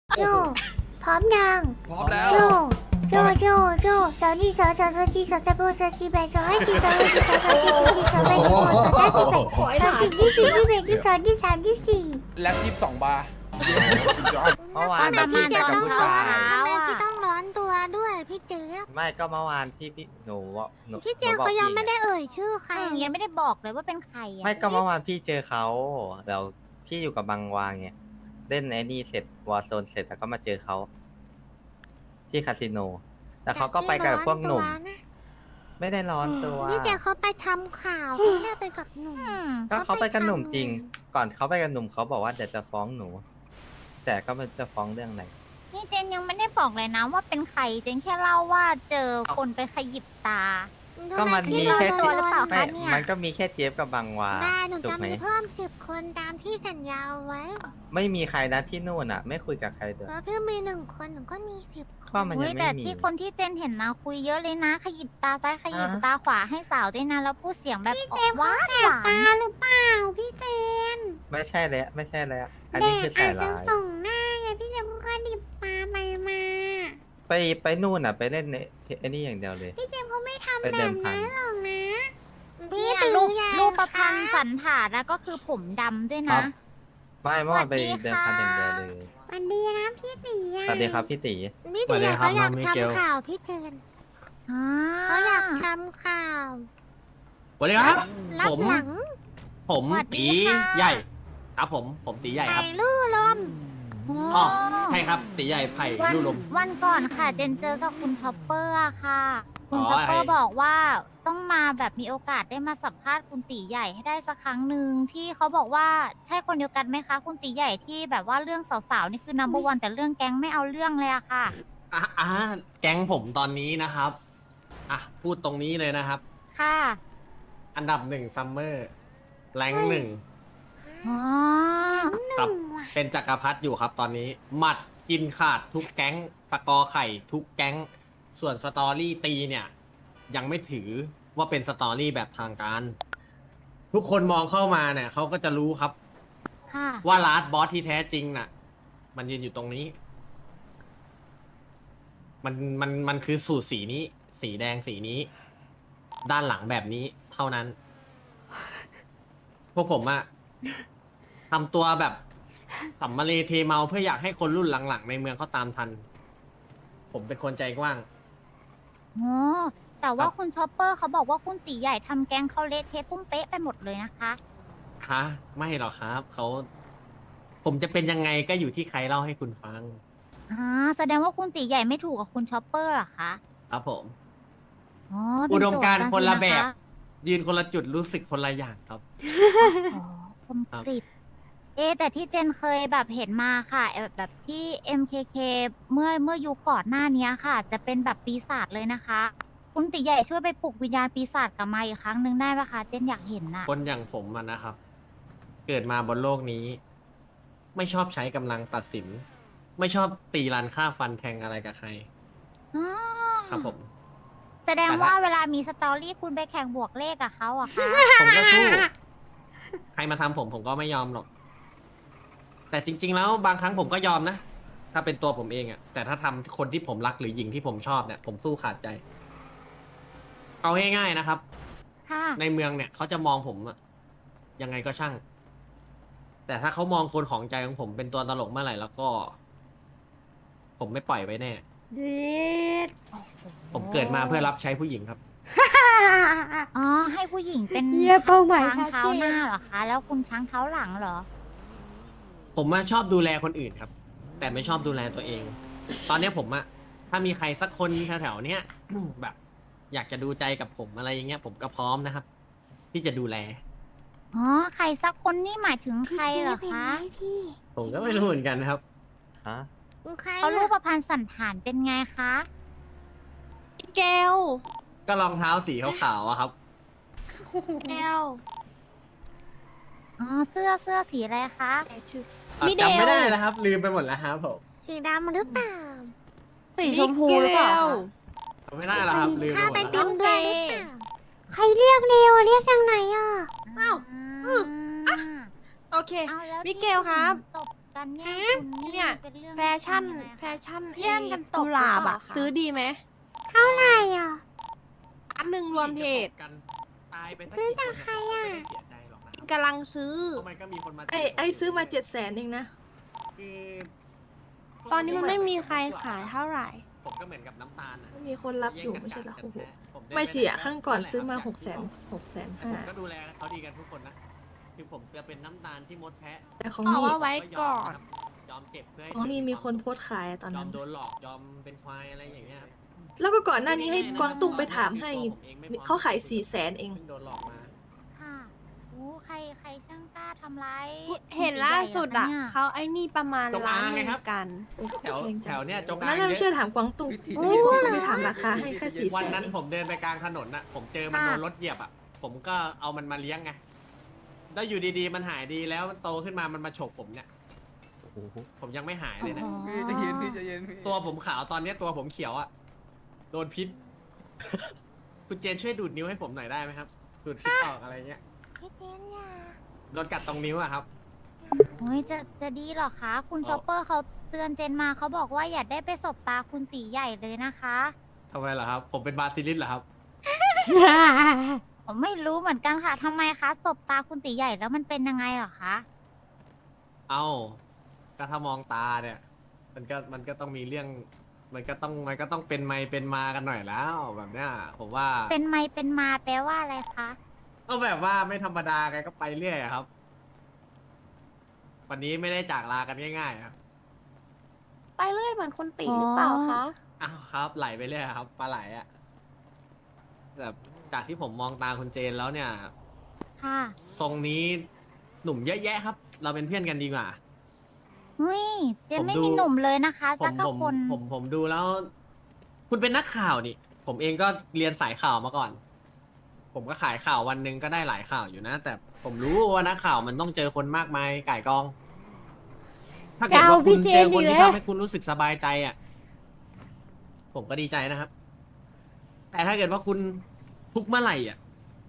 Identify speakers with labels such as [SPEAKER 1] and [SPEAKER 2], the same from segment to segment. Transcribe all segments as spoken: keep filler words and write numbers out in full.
[SPEAKER 1] โจพร้อมยัง
[SPEAKER 2] พร้อมแล้ว
[SPEAKER 1] โจโจโจโจสาวนี่สาวสาวสาวจีสาวตะโบสาวจีแบสาวให้จีสาวให้จีสาวสาวจีสาวจีสาวแบสาวสาวจีแบสาวจีที่สี่ที่แบที่สองที่สามที่สี่
[SPEAKER 2] แล็บยี่สิบสองบาร์
[SPEAKER 3] เมื่อวานแบบพี่เจอกับผู้ชาย
[SPEAKER 1] ทำไมพี่ต้องร้อนตัวด้วยพี่เจ๊
[SPEAKER 3] ไม่ก็เมื่อวานที่พี่หนูหนู
[SPEAKER 1] พี่เจ๊เขายังไม่ได้เอ่ยชื่อใคร
[SPEAKER 4] ใครยังไม่ได้บอกเลยว่าเป็นใครอ่ะ
[SPEAKER 3] ไม่ก็เมื่อวานพี่เจอเขาเดี๋ยวพี่อยู่กับบางวางไงเล่นไอ้นี่เสร็จวอร์โซนเสร็จแล้วก็มาเจอเขาที่คาสิโนแต่เขาก็ไปกับพวกหนุ่ม ไม่ได้ร้อนตัว
[SPEAKER 1] พี่เจ๊เขาไปทำข่าวเขาได้ไปกับหนุ่ม
[SPEAKER 4] อืม
[SPEAKER 3] ก็เขาไปกับหนุ่มจริง ก่อนเขาไปกับหนุ่มเขาบอกว่าเดี๋ยวจะฟ้องหนู แต่ก็ไม่รู้จะฟ้องเรื่องอะไร
[SPEAKER 4] นี่เจนยังไม่ได้บอกเลยนะว่าเป็นใครเจนแค่เล่าว่าเจอคนไปขยิบตา
[SPEAKER 3] ก็มันมีแค่
[SPEAKER 4] ทำไมพี่ร้อนตัวหรือเปล่า
[SPEAKER 3] ไม่
[SPEAKER 4] คะเนี่ย
[SPEAKER 3] มันก็มีแค่เจฟกับบางวา
[SPEAKER 1] ได้หนู
[SPEAKER 3] ถูก
[SPEAKER 1] จะ
[SPEAKER 3] ไหม
[SPEAKER 1] มีเพิ่มสิบคนตามที่สัญญาเอาไว้
[SPEAKER 3] ไม่มีใครนะที่นู่นอ่ะ ไม่คุยกับใครเลย
[SPEAKER 1] แล้วพี่มีหนึ่งคนหนูก็มีสิบค
[SPEAKER 3] ก็
[SPEAKER 1] น
[SPEAKER 3] มัน
[SPEAKER 4] เฮ้
[SPEAKER 3] ยั
[SPEAKER 4] ย
[SPEAKER 3] ง
[SPEAKER 4] แต่
[SPEAKER 3] ไม่มี
[SPEAKER 4] ที่คนที่เจนเห็นนะคุยเยอะเลยนะ ขยิบตาซ้ายขยิบ
[SPEAKER 3] อ่ะ
[SPEAKER 4] ตาขวาให้สาวด้วยนะแล้วพูดเสียงแบบออกหวานหวาน
[SPEAKER 1] ตาหรือเปล่าพี่เจน
[SPEAKER 3] ไม่ใช่แล้วไม่ใช่แล้ว อัน
[SPEAKER 1] แด
[SPEAKER 3] นี้
[SPEAKER 1] ด
[SPEAKER 3] คือ
[SPEAKER 1] อา
[SPEAKER 3] สา
[SPEAKER 1] จ
[SPEAKER 3] ย
[SPEAKER 1] จะ
[SPEAKER 3] ร้าย
[SPEAKER 1] ส่งหน้าไงพี่เจนพูดก็ดิบตาไปมา
[SPEAKER 3] ไปไปนู่นอ่ะ ไปเล่นในไอ้นี่อย่างเดียวเลย
[SPEAKER 1] พี่เจมเขาไม่ทำ
[SPEAKER 3] ไป
[SPEAKER 1] แบ
[SPEAKER 3] เดิ
[SPEAKER 1] บ
[SPEAKER 3] มพัน
[SPEAKER 1] นั้นหรอกนะ
[SPEAKER 4] พี่
[SPEAKER 1] ตี
[SPEAKER 4] รูป
[SPEAKER 1] ยาย
[SPEAKER 4] รูปประพันธ์
[SPEAKER 1] ค่ะ
[SPEAKER 4] สันฐานแล้วก็คือผมดำด้วย
[SPEAKER 3] ครั
[SPEAKER 4] นะ
[SPEAKER 3] บ ไม่เมื่อวานไป
[SPEAKER 4] สวัสดี
[SPEAKER 3] เดิมพันอย่างเดียวเลย
[SPEAKER 1] สวันดีนะพี่ตี
[SPEAKER 3] สวัสดีครับพี่ตี
[SPEAKER 1] พี่
[SPEAKER 5] สวั
[SPEAKER 1] ตี
[SPEAKER 5] สดี
[SPEAKER 1] เขา
[SPEAKER 5] ครับ
[SPEAKER 1] อยาก
[SPEAKER 5] น้องมิเกล
[SPEAKER 1] ทำข่าวพี่เจน
[SPEAKER 4] อ่า
[SPEAKER 1] เขาอยากทำข่าว
[SPEAKER 5] สวัสดีครับ
[SPEAKER 1] รับ
[SPEAKER 5] ผม
[SPEAKER 1] หลัง
[SPEAKER 5] ผมตีใหญ่ ครับผม ผมตีใหญ่ครับ
[SPEAKER 1] ไผ่ลู่ลม
[SPEAKER 5] อ๋อใช่ครับตีใหญ่ไผ่
[SPEAKER 4] วัน
[SPEAKER 5] ลู่ลม
[SPEAKER 4] วันก่อนค่ะ เจนเจอกับคุณช็อปเปอร์อะค่ะ คุณ
[SPEAKER 5] อ๋อ
[SPEAKER 4] ช็อปเปอร์
[SPEAKER 5] ไอ้
[SPEAKER 4] บอกว่าต้องมาแบบมีโอกาสได้มาสัมภาษณ์คุณตีใหญ่ให้ได้สักครั้งหนึ่งที่เขาบอกว่าใช่คนเดียวกันไหมคะ คุณตีใหญ่ที่แบบว่าเรื่องสาวๆนี่คือ number one แต่เรื่องแก๊งไม่เอาเรื่องเลยอะค่ะ
[SPEAKER 5] อ่ะอ่ะแก๊งผมตอนนี้นะครับ อ่ะ พูดตรงนี้เลยนะครับ
[SPEAKER 4] ค่ะ
[SPEAKER 5] อันดับหนึ่งซัมเมอร์แรงหนึ่ง
[SPEAKER 4] อ๋อ
[SPEAKER 5] ครับ เป็นจักรพรรดิอยู่ครับตอนนี้ หมัดกินขาดทุกแก๊งสกอร์ไข่ทุกแก๊ง ส่วนสตอรี่ตีเนี่ย ยังไม่ถือว่าเป็นสตอรี่แบบทางการ ทุกคนมองเข้ามาเนี่ยเขาก็จะรู้ครับ
[SPEAKER 4] ค่ะ
[SPEAKER 5] ว่าลาสบอสที่แท้จริงน่ะ มันยืนอยู่ตรงนี้ มันมันมันคือสูตรสีนี้ สีแดงสีนี้ ด้านหลังแบบนี้เท่านั้น พวกผมอะทำตัวแบบสัมมาเลเทเมาเพื่ออยากให้คนรุ่นหลังๆในเมืองเขาตามทัน ผมเป็นคนใจกว้าง
[SPEAKER 4] อ๋อ แต่ว่า
[SPEAKER 5] ครับ
[SPEAKER 4] คุณช็อปเปอร์เขาบอกว่าคุณตีใหญ่ทำแก๊งเขาเละเทะปุ้มเป๊ะไปหมดเลยนะคะ
[SPEAKER 5] ฮะ ไม่หรอกครับ เขา ผมจะเป็นยังไงก็อยู่ที่ใครเล่าให้คุณฟัง
[SPEAKER 4] อ่า แสดงว่าคุณตีใหญ่ไม่ถูกกับคุณช็อปเปอร์เหรอคะ
[SPEAKER 5] ครับผม
[SPEAKER 4] อ๋อเป็น
[SPEAKER 5] อุดมการณ์
[SPEAKER 4] โจทย์
[SPEAKER 5] คนละแบบ
[SPEAKER 4] สิน
[SPEAKER 5] ยืนคนละจุดรู้สึกคนละอย่างครับ
[SPEAKER 4] อ๋อคมกริบเอะแต่ที่เจนเคยแบบเห็นมาค่ะเอ่อแบบที่ เอ็ม เค เค เมื่อเมื่อยุคก่อนหน้านี้ค่ะ จะเป็นแบบปีศาจเลยนะคะ คุณตีใหญ่ช่วยไปปลุกวิญญาณปีศาจกลับมาอีกครั้งหนึ่งได้ปะคะ เจนอยากเห็นน่ะ
[SPEAKER 5] คนอย่างผมอะนะครับ เกิดมาบนโลกนี้ ไม่ชอบใช้กำลังตัดสิน ไม่ชอบตีรันฆ่าฟันแทงอะไรกับใคร
[SPEAKER 4] อ๋อ
[SPEAKER 5] ครับผม
[SPEAKER 4] แสดง
[SPEAKER 5] แต่ละ
[SPEAKER 4] ว่าเวลามีสตอรี่คุณไปแข่งบวกเลขกับเขาอะคะ
[SPEAKER 5] ผมก็สู้ ใครมาทำผมผมก็ไม่ยอมหรอก แต่จริง ๆ แล้วบางครั้งผมก็ยอมนะ ถ้าเป็นตัวผมเองอะแต่ถ้าทำคนที่ผมรักหรือหญิงที่ผมชอบเนี่ย ผมสู้ขาดใจ เอาง่ายๆนะครับ
[SPEAKER 4] ค่ะ
[SPEAKER 5] ในเมืองเนี่ยเขาจะมองผมอะยังไงก็ช่าง แต่ถ้าเขามองคนของใจของผมเป็นตัวตลกเมื่อไหร่แล้วก็ ผมไม่ปล่อยไว้แน่
[SPEAKER 1] เด็ด
[SPEAKER 5] ผมเกิดมาเพื่อรับใช้ผู้หญิงครับ
[SPEAKER 4] อ๋อ ให้ผู้หญิงเป็น
[SPEAKER 1] เยี่ยเป้าหมาย
[SPEAKER 4] ช้าง
[SPEAKER 1] ชัด
[SPEAKER 4] เท้า
[SPEAKER 1] เจ
[SPEAKER 4] หน้าน เหรอคะ แล้วคุณช้างเท้าหลังเหรอ
[SPEAKER 5] ผมอะชอบดูแลคนอื่นครับ แต่ไม่ชอบดูแลตัวเอง ตอนเนี้ยผมอะถ้ามีใครสักคนแถวๆเนี้ย แบบ อยากจะดูใจกับผมอะไรอย่างเงี้ย ผมก็พร้อมนะครับ ที่จะดูแล
[SPEAKER 4] อ๋อ ใครสักคนนี่หมายถึงใครเหรอ
[SPEAKER 1] พี่
[SPEAKER 4] คะ
[SPEAKER 1] เจ๊เป็นไหมพี่
[SPEAKER 5] ผมก็ไม่รู้เหมือนกันนะครับ
[SPEAKER 3] ฮะ
[SPEAKER 1] ใคร
[SPEAKER 4] เขารูป
[SPEAKER 1] อะ
[SPEAKER 4] ประพันธ์สันฐานเป็นไงคะ
[SPEAKER 1] แก้ว
[SPEAKER 5] ก็รองเท้าสีขาวๆอะครับ
[SPEAKER 1] แก้ว
[SPEAKER 4] อ๋อ เสื้อเสื้อสีอะไรคะ
[SPEAKER 5] อ่ะ
[SPEAKER 1] มิเดล
[SPEAKER 5] จำไม่ได้แล้วครับ ลืมไปหมดแล้วครับผม
[SPEAKER 1] สีดำหรือเปล่า
[SPEAKER 6] สีชมพูหรือเปล่า
[SPEAKER 5] จำไม่ได้แล้วครับ ลืมไป
[SPEAKER 1] ข้า
[SPEAKER 5] หมด
[SPEAKER 1] ไป
[SPEAKER 5] แล้ว
[SPEAKER 1] ติ
[SPEAKER 5] ครับ
[SPEAKER 1] มด้วยหรือเปล่าใครเรียกเร็วเรียกทางไหนอ่ะ
[SPEAKER 6] อ้าว
[SPEAKER 4] อืม
[SPEAKER 6] โอเค
[SPEAKER 4] เอาแล้ว
[SPEAKER 6] มิเกลครับ
[SPEAKER 4] ตบกันการแย่งคุณ
[SPEAKER 6] เนี่ย
[SPEAKER 4] เป็นเรื่อง
[SPEAKER 6] แฟชั่น
[SPEAKER 4] ยังไงคะ
[SPEAKER 6] แฟชั่น
[SPEAKER 2] แย่งกันตบ
[SPEAKER 6] กุหลาบ
[SPEAKER 2] หรือเป
[SPEAKER 6] อะ
[SPEAKER 2] ล่าคะ
[SPEAKER 6] ซื้อดีไหม
[SPEAKER 1] เท่าไหร่อ่ะ
[SPEAKER 6] อันหนึ่งรวมเทรด
[SPEAKER 5] กันตายไปสัก
[SPEAKER 1] ซื้อ
[SPEAKER 5] กี่
[SPEAKER 1] จาก
[SPEAKER 5] คน
[SPEAKER 1] ใคร
[SPEAKER 5] เนี่ย
[SPEAKER 1] อะ
[SPEAKER 5] ก็ไม่ได้เสียใจหรอกนะครับ
[SPEAKER 6] กำลังซื้อ
[SPEAKER 5] เพราะมันก็มีคนมา
[SPEAKER 2] ไอไอซื้อมาเจ็ดแสนเองนะ
[SPEAKER 5] คือ
[SPEAKER 6] ตอนนี้มันไม่มีใครขายเท่าไหร่
[SPEAKER 5] ผมก็เหมือนกับน้ำตาลนะ
[SPEAKER 2] มีคนรับอยู่ไม่ใช่เหรอ
[SPEAKER 5] แย่ง
[SPEAKER 2] โอ้โห
[SPEAKER 5] กันแท้ผมด้
[SPEAKER 2] ไม่เสีย
[SPEAKER 5] ด้
[SPEAKER 2] ครั้งก่อน
[SPEAKER 5] แหละ
[SPEAKER 2] ซื้อมา
[SPEAKER 5] ครับ
[SPEAKER 2] หกแสนหกแสน
[SPEAKER 5] แต่
[SPEAKER 2] ห้า
[SPEAKER 5] ผมก็ดูแลเขาดีกันทุกคนนะคือผมจะเป็นน้ำตาลที่มดแพะ
[SPEAKER 2] แต่ของ
[SPEAKER 6] เอา
[SPEAKER 2] นี่
[SPEAKER 6] ว่าไว้ก่อน
[SPEAKER 5] ยอมเจ็บเพื่อให้
[SPEAKER 2] ของนี่มีคนโพสต์ขายอะตอน
[SPEAKER 5] ยอ
[SPEAKER 2] นั้
[SPEAKER 5] ม
[SPEAKER 2] น
[SPEAKER 5] โดนหลอกยอมเป็นควายอะไรอย่างเงี้ยครับ
[SPEAKER 2] แล้วก็ก่อนหน้านี้ให้กวางตุ้งไปถามให้เขาขายสี่แสนเอง
[SPEAKER 5] เพิ่งโดนหลอกมา
[SPEAKER 4] ค่ะอู้ใครใครช่างกล้าทำร้าย
[SPEAKER 6] เห็นล่าสุดอะ
[SPEAKER 4] คุณตีใหญ่เหรค
[SPEAKER 6] เขาไอ้นี่ประมาณ
[SPEAKER 5] จง
[SPEAKER 6] ล้า
[SPEAKER 5] อาน ง
[SPEAKER 6] ห
[SPEAKER 5] ไง
[SPEAKER 6] นึ่ง
[SPEAKER 5] ครับ
[SPEAKER 6] กัน
[SPEAKER 5] แถวแถวเนี้ยจงอา
[SPEAKER 2] นั่
[SPEAKER 5] ง
[SPEAKER 2] นน่ะ
[SPEAKER 5] เย
[SPEAKER 2] ไม่เชื่
[SPEAKER 5] อะ
[SPEAKER 2] อถามกวางตุ้ง
[SPEAKER 1] โอ้
[SPEAKER 2] ให้กวางตุ้งไปถามราคาให้แค่สี่
[SPEAKER 5] วัน
[SPEAKER 2] แสน
[SPEAKER 5] นั้นผมเดินไปกลางถนนน่ะ ผมเจอมันโดนรถเหยียบอ่ะ ผมก็เอามันมาเลี้ยงไง แล้วอยู่ดีๆ มันหายดีแล้วมันโตขึ้นมามันมาฉกผมเนี่ย ผมยังไม่หายเลยนะ
[SPEAKER 4] อ๋อ
[SPEAKER 7] พี่ใจะเย็นพี่ใจะเย็นพี่
[SPEAKER 5] ตัวผมขาวตอนเนี้ยตัวผมเขียวอ่ะ โดนพิษ คุณเจนช่วยดูดนิ้วให้ผมหน่อยได้ไหมครับ ดูดพิษออกอะไรเงี้ย
[SPEAKER 1] พี่เจนอย่า
[SPEAKER 5] โดนกัดตรงนิ้วอะครับ
[SPEAKER 4] โอ้ยจะจะดีเหรอคะ คุณ
[SPEAKER 5] อ๋อ
[SPEAKER 4] ชอปเปอร์เขาเตือนเจนมาเขาบอกว่าอย่าได้ไปสบตาคุณตีใหญ่เลยนะคะ
[SPEAKER 5] ทำไมล่ะครับ ผมเป็นบาซิลิสเหรอครับ
[SPEAKER 4] ผมไม่รู้เหมือนกันค่ะทำไมคะสบตาคุณตีใหญ่แล้วมันเป็นยังไงเหรอคะ
[SPEAKER 5] เอ้าก็ถ้ามองตาเนี่ย มันก็มันก็ต้องมีเรื่อง มันก็ต้องมันก็ต้องเป็นไมเป็นมากันหน่อยแล้วแบบเนี้ยผมว่า
[SPEAKER 4] เป็นไม่เป็นมาแปลว่าอะไรคะ
[SPEAKER 5] ก็แบบว่าไม่ธรรมดาไงก็ไปเรื่อยอะครับ วันนี้ไม่ได้จากลากันง่ายๆครับ
[SPEAKER 6] ไปเรื่อยเหมือนคนตีหรือเปล่าคะ
[SPEAKER 5] อ้าวครับ ไหลไปเรื่อยครับปลาไหลอะแบบจากที่ผมมองตาคุณเจนแล้วเนี่ย
[SPEAKER 4] ค่ะ
[SPEAKER 5] ทรงนี้หนุ่มเยอะแยะครับ เราเป็นเพื่อนกันดีกว่า
[SPEAKER 4] เฮ้ยเจน
[SPEAKER 5] ผม
[SPEAKER 4] ไม่
[SPEAKER 5] ดู
[SPEAKER 4] มีหนุ่มเลยนะคะ
[SPEAKER 5] ผ
[SPEAKER 4] สั
[SPEAKER 5] ม
[SPEAKER 4] ก
[SPEAKER 5] ผม
[SPEAKER 4] คน
[SPEAKER 5] ผมผมดูแล้ว คุณเป็นนักข่าวนี่ ผมเองก็เรียนสายข่าวมาก่อน ผมก็ขายข่าววันหนึ่งก็ได้หลายข่าวอยู่นะ แต่ผมรู้ว่านักข่าวมันต้องเจอคนมากมายก่ายกอง ถ้าเกิดว่าคุณเจอคนที่ทำให้คุณรู้สึกสบายใจอ่ะ ผมก็ดีใจนะครับ แต่ถ้าเกิดว่าคุณทุกข์เมื่อไหร่อ่ะ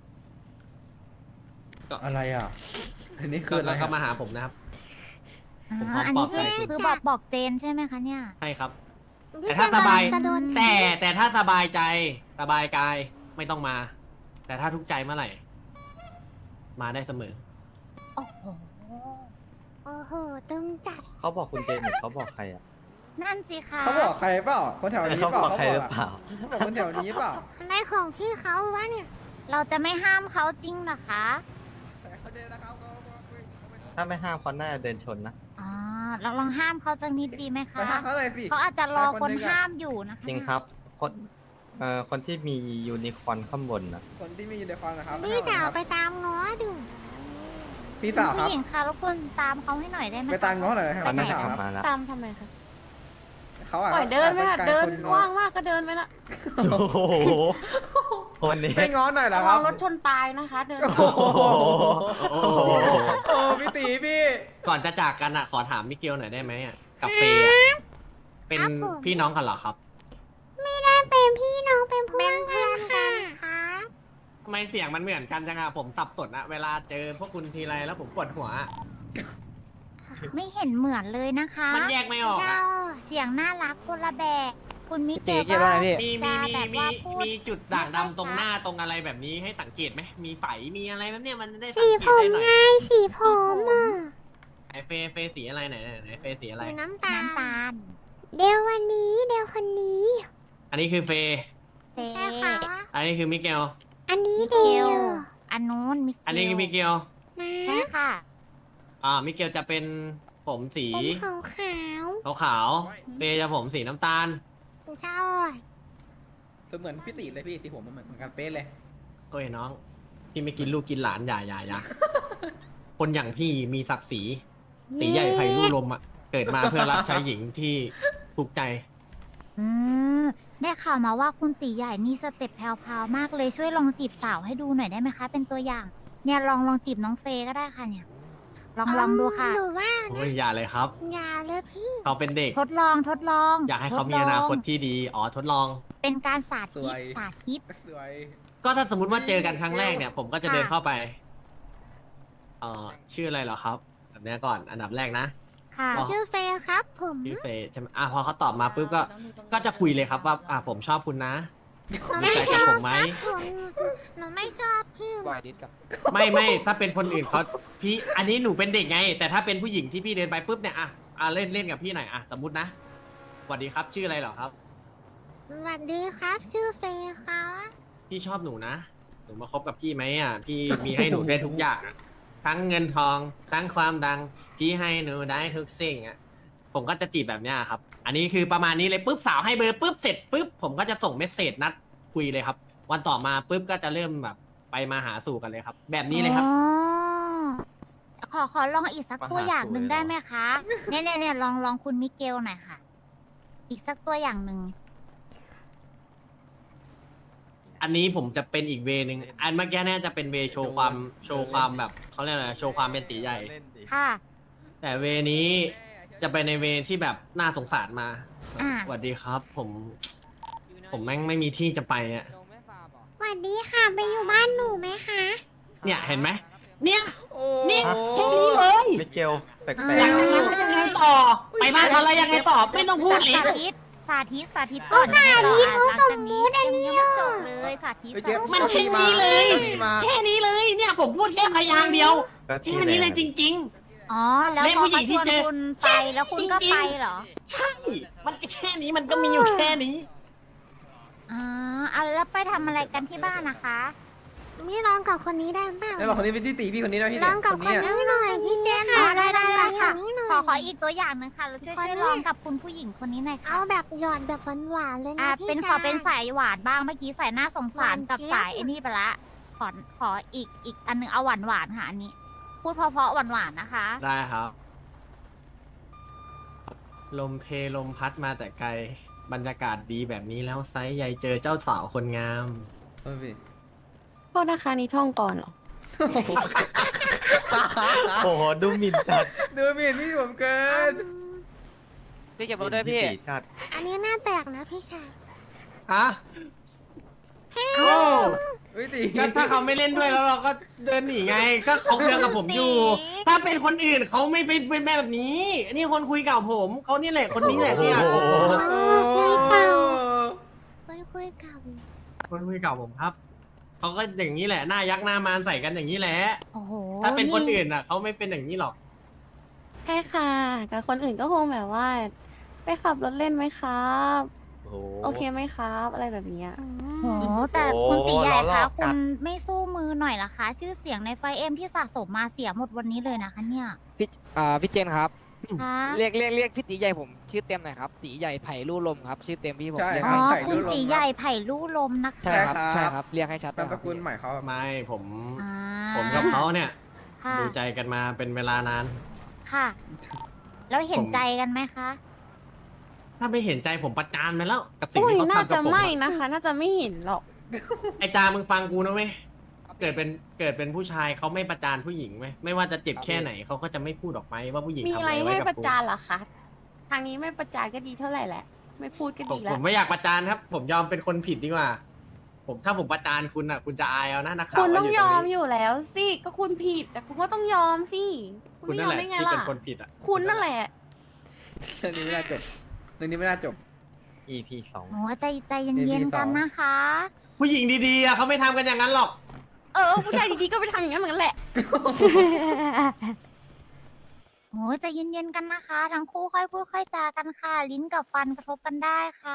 [SPEAKER 7] อะไรอ่ะ อันนี้คื
[SPEAKER 5] ก็
[SPEAKER 7] ออะไร
[SPEAKER 5] ก็
[SPEAKER 7] อะ
[SPEAKER 5] มาหาผมนะครับ
[SPEAKER 4] อ่า
[SPEAKER 5] ผมพร้อม
[SPEAKER 4] อัน
[SPEAKER 5] ปล
[SPEAKER 4] นี้
[SPEAKER 5] อบใจ
[SPEAKER 4] คือ
[SPEAKER 5] คุณ
[SPEAKER 4] คือบอกบอกเจนใช่ไหมคะเนี่ย
[SPEAKER 5] ใช่ครับ
[SPEAKER 1] พี่
[SPEAKER 5] แต่ถ้าสบาย
[SPEAKER 1] จะโดน
[SPEAKER 5] แต่แต่ถ้าสบายใจสบายกายไม่ต้องมา แต่ถ้าทุกข์ใจเมื่อไหร่ มาได้เสมอ
[SPEAKER 4] โอ้โห
[SPEAKER 1] โอ้โหตึงจัด
[SPEAKER 3] เขาบอกคุณเจนหรือเขาบอกใครอ่ะ
[SPEAKER 4] นั่นสิคะ
[SPEAKER 7] เขาบอกใครเปล่า คนแถวนี้
[SPEAKER 3] เขา
[SPEAKER 7] เปล่า
[SPEAKER 3] บอกใครหรือเปล่า
[SPEAKER 7] เขาบอกคนแถวนี้เปล่า
[SPEAKER 1] อะไรของพี่เขาวะเนี่ย
[SPEAKER 4] เราจะไม่ห้ามเขาจริงเหรอคะ
[SPEAKER 7] เขาเดินนะครับเขาเขาเขา
[SPEAKER 3] ถ้าไม่ห้ามเขาน่าจะเดินชนนะ
[SPEAKER 4] อ่าเราลองห้ามเขาสักนิดดีไหม
[SPEAKER 7] ไป
[SPEAKER 4] คะ
[SPEAKER 7] ห้ามเขาเลยสิ
[SPEAKER 4] เขาอาจจะรอ
[SPEAKER 7] ไป
[SPEAKER 4] ค
[SPEAKER 7] คน
[SPEAKER 4] น
[SPEAKER 7] หนึ่งอะ
[SPEAKER 4] ห้ามอยู่นะคะ
[SPEAKER 3] จริงครับ คนเอ่อคนที่มียูนิคอร์นข้างบนนะ
[SPEAKER 7] คนที่มียูนิคอร์นนะครับ
[SPEAKER 1] พี่สาวไปตามง้อดู
[SPEAKER 7] พี่
[SPEAKER 4] คุณ
[SPEAKER 7] สาวค
[SPEAKER 4] ผู้
[SPEAKER 7] รับ
[SPEAKER 4] หญิงคะรบกวนตามเขาให้หน่อยได้ไหม
[SPEAKER 7] ไปตามง้อหน่อยนะค
[SPEAKER 3] เขา
[SPEAKER 7] รับ
[SPEAKER 3] น่า
[SPEAKER 7] พี่
[SPEAKER 3] จะ
[SPEAKER 7] สาว
[SPEAKER 3] ขับ
[SPEAKER 7] ครับ
[SPEAKER 3] มาแล้ว
[SPEAKER 6] ตามทำไมคะ
[SPEAKER 7] เขาอ่ะ
[SPEAKER 6] ปล่อยเดินไหมล่ะ
[SPEAKER 7] อาจจะ
[SPEAKER 6] เดิน
[SPEAKER 7] ไกลคนง้อ
[SPEAKER 6] ว่างมากก็เดินไปละ
[SPEAKER 3] โอ้โหคนนี้
[SPEAKER 7] ไม่ง้อหน่อยเหรอ
[SPEAKER 6] ระ
[SPEAKER 7] ค
[SPEAKER 6] วั
[SPEAKER 7] รั
[SPEAKER 6] ง
[SPEAKER 7] บ
[SPEAKER 6] รถชนตายนะคะ เดิน
[SPEAKER 7] โอ้โห
[SPEAKER 5] โอ้โห
[SPEAKER 7] โอ้พี่ตีพี่
[SPEAKER 5] ก่อนจะจากกันอ่ะ ขอถามมิเกลหน่อยได้ไหมอ่ะกับเฟย์อะเป็นพี่น้องกันเหรอครับ
[SPEAKER 1] ไม่ได้เป็นพี่น้องเป็นเพื่อนกันค่ะ
[SPEAKER 5] ทำไมเสียงมันเหมือนกันจังอะผมสับสนอะเวลาเจอพวกคุณทีไรแล้วผมปวดหัวอะ
[SPEAKER 4] ไม่เห็นเหมือนเลยนะคะ
[SPEAKER 5] มันแยกไม่ออก
[SPEAKER 1] เจ้า
[SPEAKER 5] อะ
[SPEAKER 4] เสียงน่ารักคนละแบบ คุณมิเก
[SPEAKER 7] ตี
[SPEAKER 4] ล
[SPEAKER 7] เกี่ยวอะไรพี่
[SPEAKER 5] มี
[SPEAKER 4] จะ
[SPEAKER 5] มี
[SPEAKER 4] แบ
[SPEAKER 5] มี
[SPEAKER 4] บ
[SPEAKER 5] มี
[SPEAKER 4] ว่าพูด
[SPEAKER 5] มีจุดด่างดำตรงหน้าตรงอะไรแบบนี้ให้สังเกตไหมมีไฝมีอะไรแบบเนี้ยมันได้สั
[SPEAKER 1] สี
[SPEAKER 5] งเก
[SPEAKER 1] ผ
[SPEAKER 5] ต
[SPEAKER 1] ม
[SPEAKER 5] ได้หน่อย
[SPEAKER 1] ไงสีผมอ่ะ
[SPEAKER 5] ไอเฟย์เฟย์สีอะไรไหนไหนไหนเฟย์สีอะไร
[SPEAKER 1] สีน้ำตาล
[SPEAKER 4] น้ำตาล
[SPEAKER 1] เดี๋ยววันนี้เดี๋ยวคนนี้
[SPEAKER 5] อันนี้คือเฟย์
[SPEAKER 4] เฟ
[SPEAKER 1] ใช่ค่ะ
[SPEAKER 5] อันนี้คือมิเกล
[SPEAKER 1] อันนี้
[SPEAKER 4] มิเก
[SPEAKER 1] เดียว
[SPEAKER 4] ลอันนู้นมิเกล
[SPEAKER 5] อันนี้คือมิเกล
[SPEAKER 1] นะ
[SPEAKER 4] ใช่ค่ะ
[SPEAKER 5] อ่ามิเกลจะเป็นผมสี
[SPEAKER 1] ผมขาวขาว
[SPEAKER 5] ขาวๆเฟย์จะผมสีน้ำตาล
[SPEAKER 1] เจ้า
[SPEAKER 7] คือเหมือนพี่ตีเลยพี่ตีผมมันเหมือนกันเป๊ะเลย
[SPEAKER 5] โอ้ยน้อง พี่ไม่กินลูกกินหลานอย่าอย่าอย่า คนอย่างพี่มีศักดิ์ศรีตีใหญ่ไผ่ลู่ลมอ่ะ เกิดมาเพื่อรับใช้หญิงที่ถูกใจ
[SPEAKER 4] อืมได้ข่าวมาว่าคุณตีใหญ่นี่สเต็ปแพรวๆมากเลยช่วยลองจีบสาวให้ดูหน่อยได้ไหมคะ เป็นตัวอย่าง เนี่ยลองลองจีบน้องเฟย์ก็ได้ค่ะเนี่ย ลองลองดูค่ะ
[SPEAKER 1] หนูว่า
[SPEAKER 5] โอ้ยอย่าเลยครับ
[SPEAKER 1] อย่าเลยพี่
[SPEAKER 5] เขาเป็นเด็ก
[SPEAKER 4] ทดลองทดลอง
[SPEAKER 5] อยากให้เขา
[SPEAKER 4] ทด
[SPEAKER 5] มีอนาคต
[SPEAKER 4] ลง
[SPEAKER 5] ที่ดี อ๋อทดลอง
[SPEAKER 4] เป็นการสา
[SPEAKER 7] ส
[SPEAKER 4] ธิ
[SPEAKER 7] ว
[SPEAKER 4] ต
[SPEAKER 7] ย
[SPEAKER 4] สาธิต
[SPEAKER 7] สวย
[SPEAKER 5] ก็ถ้าสมมติว่าเจอกันครั้งแรกเนี่ย ผมก็จะเดิน
[SPEAKER 4] ค่ะ
[SPEAKER 5] เข้าไป เอ่อ ชื่ออะไรเหรอครับ แบบเนี้ยก่อน อันดับแรกนะ
[SPEAKER 4] ค่ะ
[SPEAKER 5] อ๋อ
[SPEAKER 1] ชื่อเฟย์ครับผม
[SPEAKER 5] พี่เฟย์ใช่ไหมอ่ะพอเขาตอบมาปุ๊บก็ก็จะคุยเลยครับว่าอ่ะผมชอบคุณนะ
[SPEAKER 1] หนู
[SPEAKER 5] รู้
[SPEAKER 1] ไม่
[SPEAKER 5] ใจ
[SPEAKER 1] ช
[SPEAKER 5] กับ
[SPEAKER 1] อบ
[SPEAKER 5] ผมไหม
[SPEAKER 1] ครับผมหนูไม่ชอบพี่
[SPEAKER 7] วายดิสกับ
[SPEAKER 5] ไม่ไม่ถ้าเป็นคนอื่นเขาพี่อันนี้หนูเป็นเด็กไง แต่ถ้าเป็นผู้หญิงที่พี่เดินไปปุ๊บเนี่ยอ่ะอ่ะเล่นเล่นกับพี่หน่อยอ่ะสมมตินะสวัสดีครับชื่ออะไรเหรอครับ
[SPEAKER 1] สวัสดีครับ ชื่อเฟย์ครับ
[SPEAKER 5] พี่ชอบหนูนะหนูมาคบกับพี่ไหมอ่ะพี่มีให้หนูได้ทุกอย่างอะทั้งเงินทองทั้งความดัง พี่ให้หนูได้ทุกสิ่งอ่ะผมก็จะจีบแบบเนี้ยครับ อันนี้คือประมาณนี้เลยปุ๊บสาวให้เบอร์ปุ๊บเสร็จปุ๊บผมก็จะส่งเมสเซจนัดคุยเลยครับ วันต่อมาปุ๊บก็จะเริ่มแบบไปมาหาสู่กันเลยครับ แบบนี้เลยครับ
[SPEAKER 4] อ๋อขอขอลองอีกสัก
[SPEAKER 3] มาหา
[SPEAKER 4] ตัวอย่างหนึ่ง
[SPEAKER 3] สู่เลยเหรอ
[SPEAKER 4] ได้ไหมคะ เนี่ยเนี่ยเนี่ยลองลองคุณมิเกลหน่อยค่ะ อีกสักตัวอย่างหนึ่ง
[SPEAKER 5] อันนี้ผมจะเป็นอีกเวนึงอันเมื่อกี้เนี่ยจะเป็นเวโชว์ความโชว์ความแบบเขาเรียกอะไรโชว์ความเป็นตีใหญ่
[SPEAKER 3] เล่นดิ
[SPEAKER 4] ค่ะ
[SPEAKER 5] แต่เวนี้จะไปในเวที่แบบน่าสงสารมา
[SPEAKER 4] อ่า
[SPEAKER 5] สวัสดีครับ ผม ผมแม่งไม่มีที่จะไปอ่ะ
[SPEAKER 1] สวัสดีค่ะไปอยู่บ้านหนูไหมคะ
[SPEAKER 5] เนี่ยเห็นไหมเนี่ย
[SPEAKER 7] โอ้
[SPEAKER 5] เนี่ยแค่นี้เลย
[SPEAKER 3] มิเกลแปลก
[SPEAKER 5] อยาก
[SPEAKER 3] ๆ
[SPEAKER 5] จะงั้นแล้วยังไงต่อ ไปบ้านเขาแล้วยังไงต่อไม่ต้องพูดเลย
[SPEAKER 4] สาธิต สาธิต สาธิตก่อนสาธิตเขาสมมุติอันนี้ยังไม่จบเลย สาธิต
[SPEAKER 7] เฮ้ยเจ๊
[SPEAKER 5] มัน
[SPEAKER 7] เจ้า
[SPEAKER 5] แค่
[SPEAKER 7] หมา
[SPEAKER 5] นี้เลย
[SPEAKER 7] จ้าหมีมา
[SPEAKER 5] แค่นี้เลย เนี่ยผมพูดแค่พยางค์เดียว
[SPEAKER 3] ก็ที่
[SPEAKER 5] แค่นี้เลยจริง
[SPEAKER 4] อ๋อ แล้ว
[SPEAKER 5] เล่น
[SPEAKER 4] พอ
[SPEAKER 5] ผู้หญิ
[SPEAKER 4] เขา
[SPEAKER 5] ง
[SPEAKER 4] ช
[SPEAKER 5] ที่
[SPEAKER 4] วน
[SPEAKER 5] เจอ
[SPEAKER 4] คุณไปแล้วคุณก็
[SPEAKER 5] จริงๆ
[SPEAKER 4] ไปเหรอ
[SPEAKER 5] ๆ ใช่ มันแค่นี้มันก็มีอยู่แค่นี้
[SPEAKER 4] อ๋ออ่ะแล้วไปทำอะไรกันที่บ้านนะคะ
[SPEAKER 1] ไม่ร้องกับคนนี้ได้เปล่า
[SPEAKER 7] แล้วเราคนนี้เป็นที่ตีพี่คนนี้นะพี่
[SPEAKER 1] ร้
[SPEAKER 7] เนี่
[SPEAKER 1] อย งกับ
[SPEAKER 7] คน
[SPEAKER 1] คน
[SPEAKER 7] นี้อะ
[SPEAKER 1] นี้หน่อยพี่เจน
[SPEAKER 4] อ๋อ
[SPEAKER 1] ค่ะ
[SPEAKER 4] ได้ได้ได้ค่ะ
[SPEAKER 1] ร้องกับนนี้หน่ย
[SPEAKER 4] ขอขออีกตัวอย่างหนึ่งค่ะเราช่วย
[SPEAKER 1] คน
[SPEAKER 4] ช่วย
[SPEAKER 1] นี้
[SPEAKER 4] ลองกับคุณผู้หญิงคนนี้หน่อยค่ะ
[SPEAKER 1] เอาแบบหยอดแบบหวานๆเลย
[SPEAKER 4] อ่า
[SPEAKER 1] นะพี่
[SPEAKER 4] เป็นข
[SPEAKER 1] ชา
[SPEAKER 4] อย เป็นสายหวานบ้างเมื่อกี้สายหน้าสงสาร
[SPEAKER 1] หวาน
[SPEAKER 4] กับ
[SPEAKER 1] เจี๊ยบ
[SPEAKER 4] สายไอ้นี่ไปละขอขออีกอีกอันหนึงเอาหวานหวานๆค่ะอันนี้ พูดเพราะๆหวานหวานๆนะคะ
[SPEAKER 5] ได้ครับ ลมเพลลมพัดมาแต่ไกล บรรยากาศดีแบบนี้แล้วไซส์ใหญ่เจอเจ้าสาวคนงาม
[SPEAKER 7] เออพี่
[SPEAKER 6] โทษนะคะนี่ท่องก่อนเหรอ
[SPEAKER 3] โอ้โหดูหมิ่นจัด
[SPEAKER 7] ดูหมีนพี่ผมเกิน
[SPEAKER 8] พี่เก็บรถด้วยพี่
[SPEAKER 3] ตีจัด
[SPEAKER 1] อันนี้หน้าแตกนะพี่ชาย
[SPEAKER 5] ฮะโอ้
[SPEAKER 7] เฮ้ยตี
[SPEAKER 5] ก็ถ้าเขาไม่เล่นด้วยแล้วเราก็เดินหนีไง ก็เขาเคลียร์กับผมอยู่ ถ้าเป็นคนอื่นเขาไม่เป็นเป็นแบบนี้ นี่คนคุยเก่าผม เขานี่แหละคนนี้แหละเนี่ย
[SPEAKER 3] โอ้โห
[SPEAKER 1] คุยเก่าคุยคุยเก่า
[SPEAKER 5] คนคุยเก่าผมครับ เขาก็อย่างนี้แหละ หน้ายักษ์หน้ามารใส่กันอย่างนี้แหละ
[SPEAKER 4] โอ้โห
[SPEAKER 5] ถ้าเป็นคนอื่นอ่ะเขาไม่เป็นอย่างนี้หรอก
[SPEAKER 6] ใช่ค่ะกับคนอื่นก็คงแบบว่า ไปขับรถเล่นไหมครับ
[SPEAKER 3] โอ้โห
[SPEAKER 6] โอเคไหมครับ อะไรแบบเนี้ย
[SPEAKER 1] อื
[SPEAKER 4] โอ้
[SPEAKER 1] ม
[SPEAKER 4] โหแต่
[SPEAKER 3] โอ้
[SPEAKER 4] คุณตีใหญ่
[SPEAKER 3] ล้อหล
[SPEAKER 4] คะ
[SPEAKER 3] อกจั
[SPEAKER 4] คุ
[SPEAKER 3] ด
[SPEAKER 4] ณไม่สู้มือหน่อยล่ะคะ ชื่อเสียงในไฟเอ็มที่สะสมมาเสียหมดวันนี้เลยนะคะเนี่ย
[SPEAKER 8] พี่อ่าพี่เจนครับ
[SPEAKER 4] คะ
[SPEAKER 8] เรียกเรียกเรียกพี่ตีใหญ่ผมชื่อเต็มหน่อยครับตีใหญ่ไผ่ลู่ลมครับ ชื่อเต็มพี่ผม
[SPEAKER 7] ใช่
[SPEAKER 8] เรียก
[SPEAKER 4] อ๋อ
[SPEAKER 8] ให้
[SPEAKER 7] ไผ่
[SPEAKER 4] คุณ
[SPEAKER 7] ลู่ลม
[SPEAKER 4] ตีใหญ่ไผ่ลู่ลมนะคะ
[SPEAKER 8] ใช่ครับ
[SPEAKER 7] ใช่
[SPEAKER 8] ใช่
[SPEAKER 7] ค
[SPEAKER 8] ครับ รับเรียกให้ชัด
[SPEAKER 7] นามส
[SPEAKER 8] ครับ
[SPEAKER 7] กุลใหม่เขา
[SPEAKER 5] ไม่ผม
[SPEAKER 4] อ่า
[SPEAKER 5] ผมกับเขาเนี่ย
[SPEAKER 4] ค่ะ
[SPEAKER 5] ดูใจกันมาเป็นเวลานาน
[SPEAKER 4] ค่ะ แล้วเห็น
[SPEAKER 5] ผม
[SPEAKER 4] ใจกันไหมคะ
[SPEAKER 5] ถ้าไม่เห็นใจผมประจานไปแล้ว กับสิ่ง
[SPEAKER 6] อุ้ย
[SPEAKER 5] ที่เขา
[SPEAKER 6] น่า
[SPEAKER 5] ทำกั
[SPEAKER 6] จะ
[SPEAKER 5] บผม
[SPEAKER 6] ไม่
[SPEAKER 5] อะ
[SPEAKER 6] นะคะ น่าจะไม่เห็นหรอก
[SPEAKER 5] ไอจามึงฟังกูนะเว้ย เกิดเป็นเกิดเป็นผู้ชายเขาไม่ประจานผู้หญิงไหมไม่ว่าจะเจ็บแค่ไหนเขาก็จะไม่พูดออกไปว่าผู้หญิง
[SPEAKER 6] มี
[SPEAKER 5] ทำ
[SPEAKER 6] อะ
[SPEAKER 5] อะไร ไรไว้
[SPEAKER 6] ให้
[SPEAKER 5] กับ
[SPEAKER 6] ประ
[SPEAKER 5] กู
[SPEAKER 6] จานเหรอคะ ทางนี้ไม่ประจานก็ดีเท่าไหร่แหละ ไม่พูดก็
[SPEAKER 5] ผม
[SPEAKER 6] ดีแล้
[SPEAKER 5] ผ
[SPEAKER 6] ว
[SPEAKER 5] มไม่อยากประจานครับ ผมยอมเป็นคนผิดดีกว่า ผมถ้าผมประจานคุณอ่ะ คุณจะอายเอานะนักข่าว
[SPEAKER 6] คุณต้อง
[SPEAKER 5] ว่าย
[SPEAKER 6] อ
[SPEAKER 5] ต
[SPEAKER 6] ม
[SPEAKER 5] รงนี้
[SPEAKER 6] อยู่แล้วสิ ก็คุณผิด แต่คุณก็ต้องยอมสิ คุณ
[SPEAKER 5] คุณ
[SPEAKER 6] ไม่
[SPEAKER 5] นั่
[SPEAKER 6] ย
[SPEAKER 5] น
[SPEAKER 6] อม
[SPEAKER 5] แหละ
[SPEAKER 6] ได้ไง
[SPEAKER 5] ที่
[SPEAKER 6] ล่ะ
[SPEAKER 5] เป็นคนผิดอ่ะ
[SPEAKER 6] คุณนั่นแหละ
[SPEAKER 7] เรื่องนี้ไม่น่าจบเรื่องนี้ไม่น่าจบ
[SPEAKER 3] อี พี สอง
[SPEAKER 4] โอ้ใจใจเย็นๆกันนะคะ
[SPEAKER 5] ผู้หญิงดีๆอะเขาไม่ทำกันอย่างนั้นหรอก
[SPEAKER 6] เออ ผู้ชายดีๆก็ไปทำอย่างนั้นเหมือนกันแหละ
[SPEAKER 4] โอ้ใจเย็นๆกันนะคะ ทั้งคู่ค่อยพูดค่อยจากันค่ะ ลิ้นกับฟันกระทบกันได้ค่ะ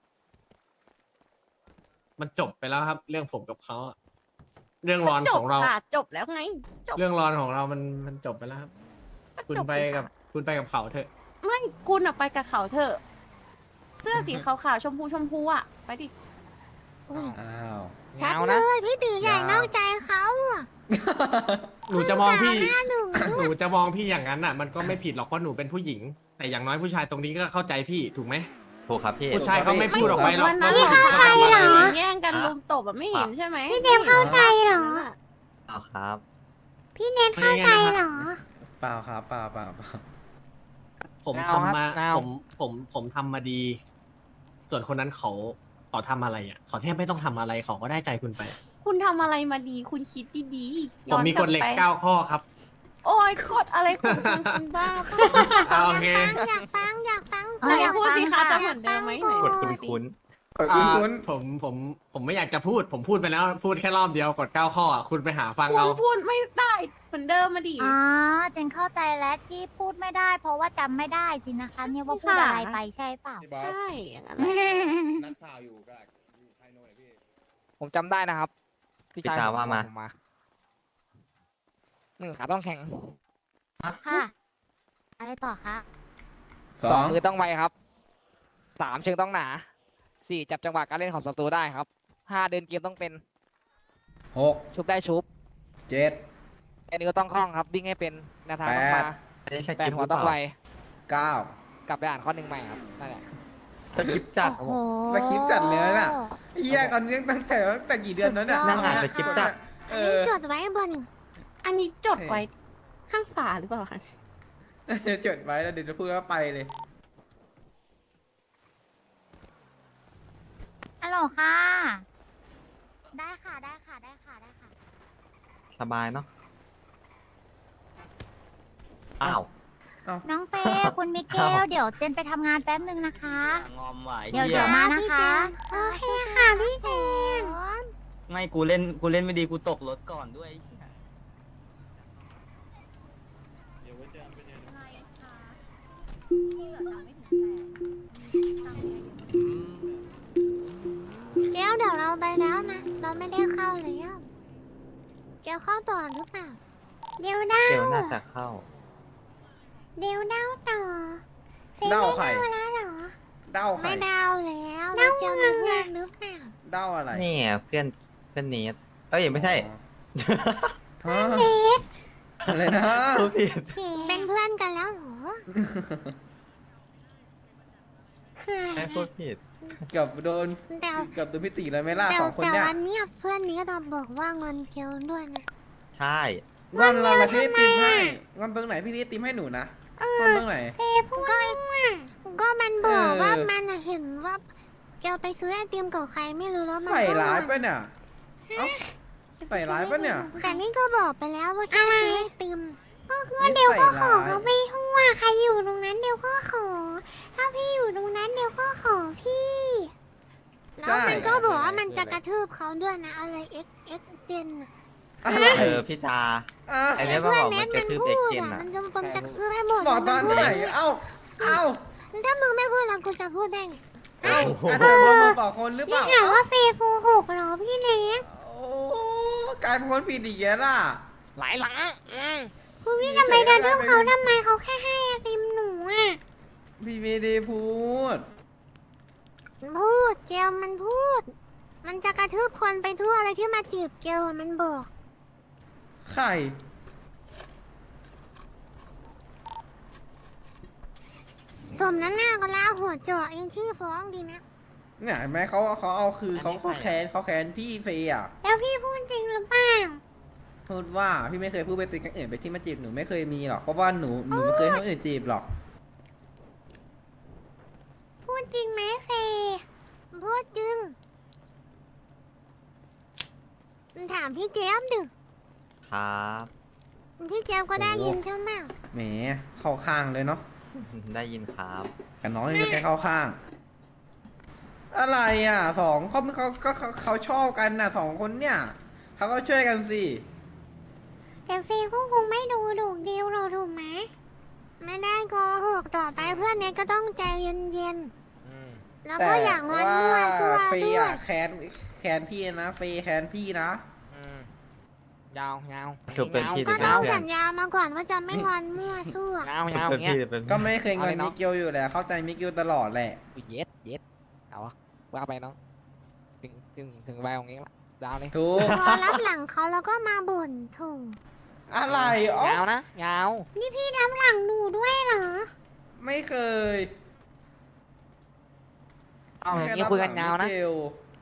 [SPEAKER 5] มันจบไปแล้วครับ เรื่องผมกับเขาอะเรื่องรอน
[SPEAKER 6] จ
[SPEAKER 5] ข
[SPEAKER 6] บ
[SPEAKER 5] องเรา
[SPEAKER 6] ค่ะ จบแล้วไง จบ
[SPEAKER 5] เรื่องรอนของเรามันมันจบไปแล้วครับ คุณ
[SPEAKER 6] จบ
[SPEAKER 5] ไป
[SPEAKER 6] สิ
[SPEAKER 5] กับ
[SPEAKER 6] ค่ะ
[SPEAKER 5] คุณไปกับเขาเถอะ
[SPEAKER 6] ไม่คุณอะไปกับเขาเถอะ เสื้อสีขาวๆชมพูชมพูอะไปดิ
[SPEAKER 7] อ้าว
[SPEAKER 1] ชัด
[SPEAKER 8] เงา
[SPEAKER 1] เล
[SPEAKER 8] นะ
[SPEAKER 1] ยพี่ตีใหญ่นอกใจเขาอะ
[SPEAKER 5] หนูจะมองพี่
[SPEAKER 1] หน้าหนึ่ง
[SPEAKER 5] หนูจะมองพี่อย่างนั้นอ่ะ มันก็ไม่ผิดหรอกเพราะหนูเป็นผู้หญิง แต่อย่างน้อยผู้ชายตรงนี้ก็เข้าใจพี่ถูกไหม
[SPEAKER 3] ถูกครับพี่
[SPEAKER 5] ผู้ชายเขาไม่พูดออกไปหรอก
[SPEAKER 6] วันนั้น
[SPEAKER 5] ว่า
[SPEAKER 6] เรา
[SPEAKER 5] ผู้หญิงเขาทำอะไร
[SPEAKER 6] แย่งกันลุมตบอะไม่เห็นใช่ไหม
[SPEAKER 1] พี่เจมส์เข้าใจเหรอ
[SPEAKER 3] เอาครับ
[SPEAKER 1] พี่เนทเข้าใจเหรอ
[SPEAKER 7] เปล่าครับเปล่าเปล่าเปล่า
[SPEAKER 5] ผม
[SPEAKER 8] เงาครับ
[SPEAKER 5] ทำมา
[SPEAKER 8] เงา
[SPEAKER 5] ผมผมผมทำมาดี ส่วนคนนั้นเขาเขาทำอะไรอ่ะเขาแทบไม่ต้องทำอะไรเขาก็ได้ใจคุณไป
[SPEAKER 6] คุณทำอะไรมาดี คุณคิดดีๆ
[SPEAKER 5] ผมมีกฎเหล็ก
[SPEAKER 6] ย้อน
[SPEAKER 5] เก้าข้อครับ
[SPEAKER 6] โโอ้ยกดอะไรของคุณคุณบ้าเปล่า
[SPEAKER 5] เอาโอเค
[SPEAKER 1] อยากฟังอยากฟัง
[SPEAKER 4] เอออยาก
[SPEAKER 6] พูด
[SPEAKER 4] ฟัง
[SPEAKER 6] สิคะ
[SPEAKER 4] ค่ะ
[SPEAKER 6] จะเหมือนเดิมไหมไหน
[SPEAKER 3] กดคุ้นคุ้น
[SPEAKER 7] กดคุ้นคุ้น
[SPEAKER 5] อ่าผมผมผมไม่อยากจะพูด ผมพูดไปแล้ว พูดแค่รอบเดียวกดเก้าข้ออ่ะคุณไปหาฟัง
[SPEAKER 6] คุ
[SPEAKER 5] เอา
[SPEAKER 6] ณพูดไม่ได้เหมือนเดิมมาดิ
[SPEAKER 4] อ๋อเจนเข้าใจแล้วที่พูดไม่ได้ เพราะว่าจำไม่ได้สินะคะเนี่ยว่าพูดอะไรไปใช่เปล่า
[SPEAKER 6] ใช่อย่างนั้นแหละ
[SPEAKER 7] นักข่าวอยู่ก็อยู่ไทยโน่นพี่
[SPEAKER 8] ผมจำได้นะครับ
[SPEAKER 3] พี่จาว่ามา
[SPEAKER 8] ผมหนึ่งขาต้องแข็ง
[SPEAKER 4] ค่ะ อะไรต่อคะ
[SPEAKER 7] ส
[SPEAKER 8] ส
[SPEAKER 7] อ
[SPEAKER 8] อง งมือต้องไวครับสามเชิงต้องหนาสี่จับจังหวะการเล่นของศัตรูได้ครับห้าเดินเกมต้องเป็น
[SPEAKER 7] หก
[SPEAKER 8] ชุบได้ชุบ
[SPEAKER 7] เจ็ด
[SPEAKER 8] แค่นี้ก็ต้องคล่องครับวิ่งให้เป็นแนวทางต้องมา
[SPEAKER 3] อันนี้ส
[SPEAKER 8] แป
[SPEAKER 3] กิ
[SPEAKER 8] ด
[SPEAKER 3] ป
[SPEAKER 8] หั
[SPEAKER 3] ห
[SPEAKER 8] ว
[SPEAKER 3] รือเป
[SPEAKER 8] ต้องไว
[SPEAKER 3] ล่า
[SPEAKER 7] เก้าก
[SPEAKER 8] ลับไปอ่านข้อหนึ่งใหม่ครับนั่นแหละ
[SPEAKER 3] สกิปจัด
[SPEAKER 4] โอ้โห
[SPEAKER 7] แล้วคลิปจัดเลยน่ะเฮียก่อนนี้ตั้งแต่ตั้งแต่กี่เดือนแล้วเนี่ย
[SPEAKER 4] สุดยอด
[SPEAKER 3] นั่งอ่านสคริปต์จัด
[SPEAKER 7] เอ
[SPEAKER 1] อันนี้
[SPEAKER 7] อ
[SPEAKER 1] จดไว้บน
[SPEAKER 6] อันนี้จดไว้ข้างฝาหรือเปล่าคะ
[SPEAKER 7] เดี๋ยวจดไว้แล้วเดี๋ยวจะพูดว่าไปเลย
[SPEAKER 4] ฮัลโหลค่ะ ได้ค่ะ ได้ค่ะ ได้ค่ะ ได้ค่ะ
[SPEAKER 3] สบายเนาะอ้าว
[SPEAKER 4] น้องเฟย์คุณมิเกล เดี๋ยวเจนไปทำงานแป๊บนึงนะคะ
[SPEAKER 9] งอมไหว
[SPEAKER 4] เดี๋ยวเดี๋ยวมานะคะ
[SPEAKER 1] โอเคค่ะพี่เจน
[SPEAKER 9] ไม่กูเล่นกูเล่นไม่ดีกูตกรถก่อนด้วย
[SPEAKER 1] แก้วเดี๋ยวเราไปแล้วนะ เราไม่ได้เข้าเลยอ่ะแก้วเข้าต่อหรือเปล่า เดี๋ยวเดา
[SPEAKER 3] เดี๋ยวน่าจะเข้า
[SPEAKER 1] เดี๋ยวเดาต่อฟย์
[SPEAKER 7] เดาใคร
[SPEAKER 1] ไม่เดาแล้วเหรอ
[SPEAKER 7] เด้าใคร
[SPEAKER 1] ไม่เดาแล้วเราจะมีเพื่อนหรือเปล่า
[SPEAKER 7] เด้าอะไร
[SPEAKER 3] นี่ไงเพื่อนเพื่อนเนสเอ้ยไม่ใช่
[SPEAKER 7] ฮะอะไรนะ
[SPEAKER 3] พูดผิด
[SPEAKER 1] เป็นเพื่อนกันแล้วเหรอ
[SPEAKER 3] ไม่พูดผิด
[SPEAKER 7] เกับโดน
[SPEAKER 1] แต่
[SPEAKER 7] เกับโดนพิติแล้วไหม่ล่า
[SPEAKER 1] แต่
[SPEAKER 7] สองคน
[SPEAKER 1] แต่
[SPEAKER 7] เนี่ย
[SPEAKER 1] วันเนี้ยเพื่อนนี้เราบอกว่าเงินเกลด้วยนะ
[SPEAKER 3] ใช่
[SPEAKER 7] งอนเราละพี่ติมให้งอนตรงไหนพี่ติมให้หนูนะงอนตรงไหน
[SPEAKER 1] เฟย์พูดก็ก็มันบอก
[SPEAKER 7] เออ
[SPEAKER 1] ว่ามันน่ะเห็นว่าเกลไปซื้อไอติมกับใครไม่รู้แล้วมัน
[SPEAKER 7] ใส่
[SPEAKER 1] ก็
[SPEAKER 7] ร้าย
[SPEAKER 1] งอน
[SPEAKER 7] ปะเนี่ยเอ้าใส่ร้ายปะเนี่ย
[SPEAKER 1] แต่นี่ก็บอกไปแล้วว่าแค่ซื้อไอติมก็คือ
[SPEAKER 7] นี่
[SPEAKER 1] เดี๋ยวก็ขอ
[SPEAKER 7] ใส่ร้าย
[SPEAKER 1] เขาไปทั่วใครอยู่ตรงนั้นเดี๋ยวก็ขอ ถ้าพี่อยู่ตรงนั้นเดี๋ยวก็ขอพี่ แล้วมันก็บอกว่ามันจะกระทืบเขาด้วยนะอะไรเอ็กเอ็กเจน
[SPEAKER 7] อะไร
[SPEAKER 3] เออพี่จา
[SPEAKER 7] อ่ะ
[SPEAKER 3] ไอ้เนี่ยมาบอกมันกระทืบเอ็กเจน
[SPEAKER 1] อะ
[SPEAKER 3] อ่ะ
[SPEAKER 1] มันจะมันจะกระทืบให้หมด
[SPEAKER 7] บอกตอนไหนเอ้าเอ้า
[SPEAKER 1] ถ้ามึงไม่พูดแล้วกูจะพูดได้ไง
[SPEAKER 7] เอ้าอาจจะเป็นมือบอกคนหรือเป
[SPEAKER 1] นี่
[SPEAKER 7] ล่า
[SPEAKER 1] ถาม
[SPEAKER 7] เอ้า
[SPEAKER 1] ว่าเฟย์โกหกเหรอพี่เล็ก
[SPEAKER 7] โอ้กลายเป็นคนผิดอีกแล้วล่ะ
[SPEAKER 8] หลายหลังอืม
[SPEAKER 1] คุณพี่ทำไมกระทืบเขาทำไมเขาแค่ให้ไอติมหนูอ่ะ
[SPEAKER 7] พี่ไม่ได้พูด
[SPEAKER 1] พูดเกลมันพูด มันจะกระทืบคนไปทั่วอะไรที่มาจีบเกลอะมันบอก
[SPEAKER 7] ใคร
[SPEAKER 1] สมน้ำหน้าก็ล้าหัวเจาะเองชื่อฟ้องดีนะ
[SPEAKER 7] เนี่ยเห็นไหมเขาเขาเอาคือเขา
[SPEAKER 3] อันนี้
[SPEAKER 7] เขา
[SPEAKER 3] ใคร
[SPEAKER 7] แค้น
[SPEAKER 3] อะ
[SPEAKER 7] เขาแค้นพี่เฟย์อ่ะ
[SPEAKER 1] แล้วพี่พูดจริงหรือเปล่า
[SPEAKER 7] พูดว่าพี่ไม่เคยพูดไปติดกันอื่นไปที่มาจีบหนูไม่เคยมีหรอกเพราะว่าหนูหนูไม่เคยให้คนอื่นจีบหรอก
[SPEAKER 1] พูดจริงไหมเฟย์พูดจริงถามพี่เจมส์ดิ
[SPEAKER 3] ครับ
[SPEAKER 1] พี่เจมส์ก็ได้ยินใช่ไหม
[SPEAKER 7] แหมเข้าข้างเลยเนาะ
[SPEAKER 3] ได้ยินครับ
[SPEAKER 7] กับน้องนี่แค่เข้าข้าง อะไรอ่ะสองเขาเขาก็เขาเขาชอบกันน่ะสองคนเนี่ยเขาก็ช่วยกันสิ
[SPEAKER 1] แต่เฟย์ก็คงไม่ดูถูกเดียวเราถูกไหมไม่ได้โกหกต่อไปเพื่อนเนี้ยก็ต้องใจเย็น
[SPEAKER 8] อืม
[SPEAKER 1] ๆแล้ว
[SPEAKER 7] แต่
[SPEAKER 1] ก็อย่างงอนมั่วซั่ว
[SPEAKER 7] เฟ
[SPEAKER 1] ด้
[SPEAKER 7] ย์
[SPEAKER 1] วย
[SPEAKER 7] อ่ะแค้นแค้นพี่นะเฟย์แค้นพี่นะ
[SPEAKER 8] อืมยาวยาว
[SPEAKER 3] สุดเป็นพี่
[SPEAKER 1] ก็
[SPEAKER 3] หรื
[SPEAKER 1] ต้อง
[SPEAKER 3] เพื่อน
[SPEAKER 1] สัญญามาก่อนว่าจะไม่งอนมั่วซั่ว
[SPEAKER 8] ยาวยาว
[SPEAKER 3] เป็น
[SPEAKER 8] เงี้ย
[SPEAKER 3] พี่หรือเป็น
[SPEAKER 7] ก็ไม่เคยงอน
[SPEAKER 8] เอาเลยเน
[SPEAKER 7] มิ
[SPEAKER 8] อะ
[SPEAKER 7] เกลอยู่แหละเข้าใจมิเกลตลอดแหละ
[SPEAKER 8] อุ๊ยเย็ดเย็ดเอาวะว่าไปน้องถึงถึงถึงใบของนี้ละยาวเลย
[SPEAKER 7] ถูก
[SPEAKER 1] พอรับหลังเขาแล้วก็มาบ่นโถู
[SPEAKER 7] อะไรอ๋อย
[SPEAKER 8] าวนะยาว
[SPEAKER 1] นี่พี่รับหลังหนูด้วยเหรอ
[SPEAKER 7] ไม่เคย
[SPEAKER 8] เอาอย่างนี้คุยกันยาวนะ
[SPEAKER 7] มิเกล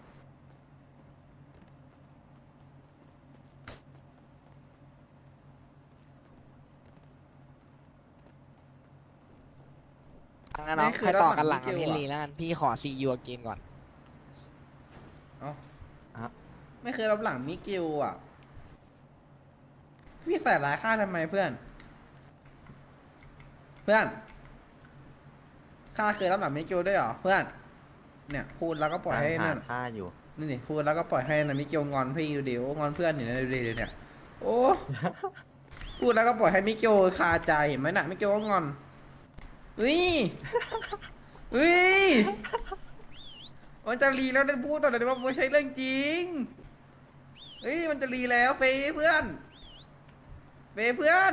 [SPEAKER 8] งั้นน้องใครต่อกันหลังกับพี่ลีแล้วกันพี่ขอซียูเกนก่อน
[SPEAKER 7] เอ้า
[SPEAKER 3] ครับ
[SPEAKER 7] ไม่เคยรับหลังมิเกลอ่ะพี่ใส่ร้ายข้าทำไมเพื่อนเพื่อนข้าเคยรับหลังมิเกลด้วยเหรอเพื่อนเนี่ยพูดแล้วก็ปล่อยให้
[SPEAKER 3] หา
[SPEAKER 7] นั่น
[SPEAKER 3] ท่าอยู่
[SPEAKER 7] นี่นี่พูดแล้วก็ปล่อยให้นามิเกลงอนพี่ดูเดี๋ยวงอนเพื่อนอยู่นะดูดิเดี๋ยวเนี่ยโอ้ พูดแล้วก็ปล่อยให้มิเกลคาใจเห็นไหมน่ะมิเกลก็งอนอุ้ยอุ้ยมันจะรีแล้วได้พูดตอนไหนว่าไม่ใช่เรื่องจริงเฮ้ยมันจะรีแล้วเฟยเพื่อนเฟยเพื่อน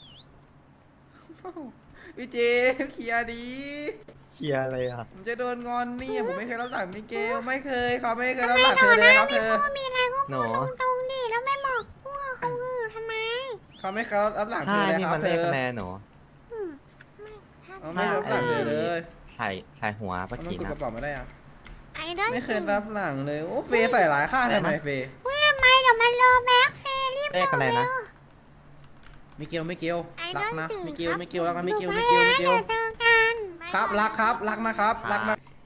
[SPEAKER 7] พี่เจเคลียร์ดี
[SPEAKER 3] เชียร์อะไรอ่ะ
[SPEAKER 7] ผมจะโดนงอนนี่ผมไม่เคยรับหลังมิเกลไม่เคยเขาไม่เคยรับหลังเธอเลยครับเธอ
[SPEAKER 1] ก็มีอะไรก็
[SPEAKER 3] หนู
[SPEAKER 1] พูดตรงๆดิแล้วไม่บอกพวกคนอื่นทำไม
[SPEAKER 7] เขาไม่เคยรับหลังเธ
[SPEAKER 3] ท่า
[SPEAKER 7] อเลย
[SPEAKER 3] นี่
[SPEAKER 7] ครั
[SPEAKER 3] มั
[SPEAKER 7] บ
[SPEAKER 3] น
[SPEAKER 7] เธ
[SPEAKER 3] ได้
[SPEAKER 7] อ
[SPEAKER 3] คะแนนหนู
[SPEAKER 1] อืมไม่ถ้า
[SPEAKER 7] เขาไม่รับหลังเธอเลย
[SPEAKER 3] ใส่ใส่หัวเมื่อ
[SPEAKER 7] มัน
[SPEAKER 3] กี้
[SPEAKER 7] กด
[SPEAKER 3] นะ
[SPEAKER 7] กระเป๋าไม่ได้อะ
[SPEAKER 1] ไอ้เรื่อง
[SPEAKER 7] ไม่เคยรับหลังเลยโอ้เฟย์ใส่หลายข้างทำไมเฟย์
[SPEAKER 1] เฮ้ยทำไมเดี๋ยวมันรอแม็กเฟรรีบ
[SPEAKER 3] เลขอะไรนะ
[SPEAKER 7] มิเกลมิเกล
[SPEAKER 1] ไอ้
[SPEAKER 7] รั
[SPEAKER 1] เรื่
[SPEAKER 7] ก
[SPEAKER 1] อง
[SPEAKER 7] นะ
[SPEAKER 1] สื่อ
[SPEAKER 7] มิเกล
[SPEAKER 1] ครับ
[SPEAKER 7] มิเกลรักนะมิเกล
[SPEAKER 1] ดู
[SPEAKER 7] มิ
[SPEAKER 1] ไป
[SPEAKER 7] เกลมิเกล
[SPEAKER 1] แล้วเดี๋ยวเจอกัน
[SPEAKER 7] ครับรักครับรักนะครับรักนะ